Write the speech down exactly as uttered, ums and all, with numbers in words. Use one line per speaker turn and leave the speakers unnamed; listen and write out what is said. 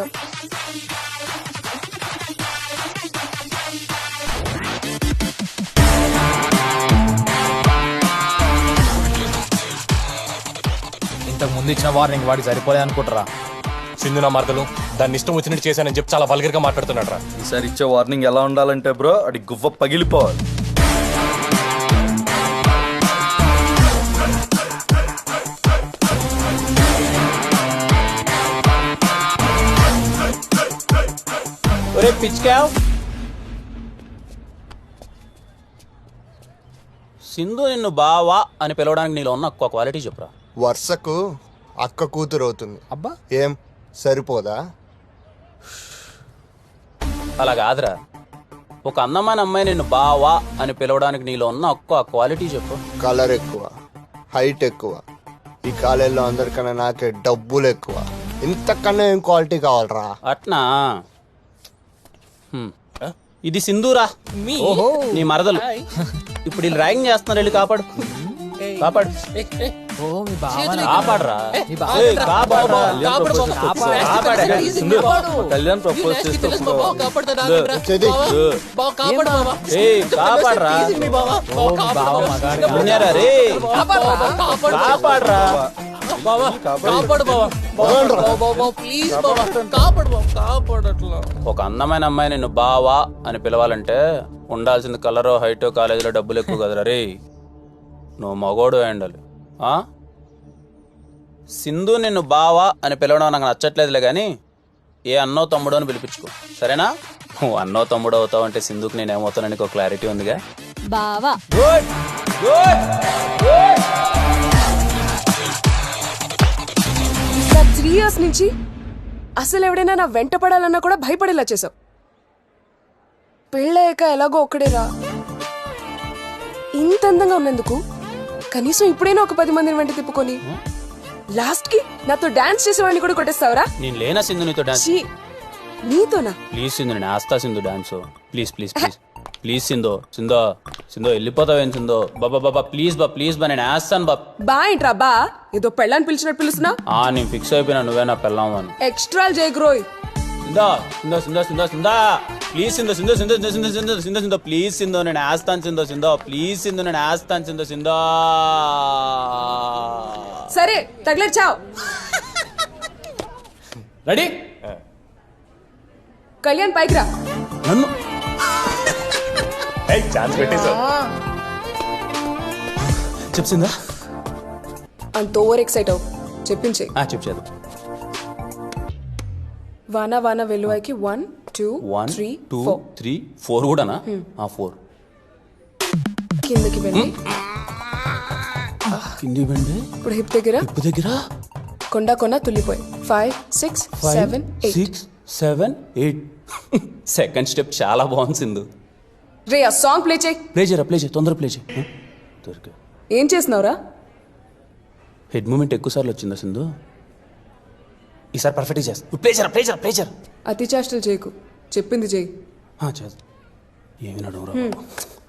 ఇంతకు ముందు ఇచ్చిన వార్నింగ్ వాడికి సరిపోలే అనుకుంటారా?
సింధు నా మార్గలు దాన్ని ఇష్టం వచ్చినట్టు చేశానని చెప్పి చాలా వల్గర్ గా మాట్లాడుతున్నాడు రా.
ఈసారి ఇచ్చే వార్నింగ్ ఎలా ఉండాలంటే బ్రో అది గువ్వ పగిలిపోవాలి.
ఒరే పిచ్కావ్, సింధు నిన్ను బావా అని పిలవడానికి నీలో ఉన్న ఒక్క క్వాలిటీ చెప్పురా.
వర్షకు అక్క కూతురు అవుతుంది.
అబ్బా
ఏం సరిపోదా?
అలా కాదురా, ఒక అందమైన అమ్మాయి నిన్ను బావా అని పిలవడానికి నీలో ఉన్న ఒక్క క్వాలిటీ చెప్పు.
కలర్ ఎక్కువ, హైట్ ఎక్కువ, ఈ కాలేజీలో అందరికన్నా నాకే డబ్బులు ఎక్కువ. ఇంతకన్నా ఏం క్వాలిటీ కావాలరా?
అట్నా? హ్మ్. ఇది సింధూరా, నీ మరదలు. ఇప్పుడు వీళ్ళు ర్యాగింగ్ చేస్తున్నారు, వెళ్ళి కాపాడు కాపాడు కాపాడరా. ఏయ్, కాపాడరా.
కళ్యాణ్ ప్రపోజ్ చేస్తే
ఏయ్, కాపాడరా. విన్నారా రే? కాపాడరా. ఒక అందమైన అమ్మాయి నిన్ను బావా అని పిలవాలంటే ఉండాల్సింది కలరో హైటో కాలేజీలో డబ్బులు ఎక్కువ కదరా రే. నువ్వు మగోడు ఉండాలి. సింధు నిన్ను బావా అని పిలవడం నాకు నచ్చట్లేదులే కానీ ఏ అన్నో తమ్ముడు అని పిలిపించుకో, సరేనా? నువ్వు అన్నో తమ్ముడు అవుతావు అంటే సింధుకి నేను ఏమవుతానని ఒక క్లారిటీ ఉందిగా.
బావా
good good good.
Three years నుంచి అసలు ఎవడైనా నా వెంట పడాలన్నా కూడా భయపడేలా చేసావు. పెళ్ళయ్యాక ఎలాగో ఒక్కడేరా. ఇంత అందంగా ఉన్నందుకు కనీసం ఇప్పుడైనా ఒక పది మందిని వెంట తిప్పుకొని లాస్ట్ కి నాతో డాన్స్ చేసేవాడిని కూడా కొట్టేస్తావరా?
నేను లేనా సింధు నీతో డాన్స్?
ఛీ, నీతోనా?
ప్లీజ్ సింధు, నేను ఆస్తా Sindhu dance. Please please please please Sindhu. సింధో సింధో వెళ్ళిపోతావేం సింధో? బాబా బాబా ప్లీజ్ బా ప్లీజ్ బా, నేను వేస్తాను బా.
బా ఏంట్రా బా? ఏదో పెళ్ళాన్ని పిలిచినట్టు పిలుస్తున్నా?
ఆ నేను ఫిక్స్ అయిపోయినా, నువ్వే నా పెళ్ళాము అని.
ఎక్స్ట్రా జయగ్రోయ్.
సింధో సింధో సింధో సింధో సింధా ప్లీజ్ సింధో సింధో సింధో సింధో సింధో సింధో సింధో సింధో ప్లీజ్ సింధో, నేను వేస్తాను సింధో సింధో ప్లీజ్ సింధు, నేను వేస్తాను సింధో సింధో.
సరే తగిలేదు చావ్.
రెడీ?
కళ్యాణ్ పైకి రా.
నన్ను
ఛాన్స్ పెట్టేశావు.
చెప్సిందా?
అంత ఓవర్ ఎక్సైట్ అవు. చెప్పించే.
చెప్పు చేద్దాం.
వాన వాన వెలువైకి one two
one
three
two
four.
Three four కూడానా? ఆ ఫోర్
కిందకి వెళ్ళి
కింది బండి
ఇప్పుడు హిప్ దగ్గర
ఉప్పు దగ్గర
కొండ కొన తుల్లిపోయి. Five six seven eight.
Six seven eight. Second step చాలా బాగుంది సింధు.
రే ఆ సాంగ్ ప్లే చేయి.
ప్లే చేయరా, ప్లే చేయి, తొందర ప్లే చేయి. దొరికా.
ఏం చేస్తున్నావురా?
హెడ్ మూమెంట్ ఎక్కువ సార్లు వచ్చిందా సింధు? ఈసారి పర్ఫెక్ట్గా చేస్తా. ప్లే చేయరా, ప్లే చేయరా, ప్లే చేయరా.
అతి చేష్టలు చేయకు, చెప్పింది చేయి.
చేస్తా. ఏమి నడువురా.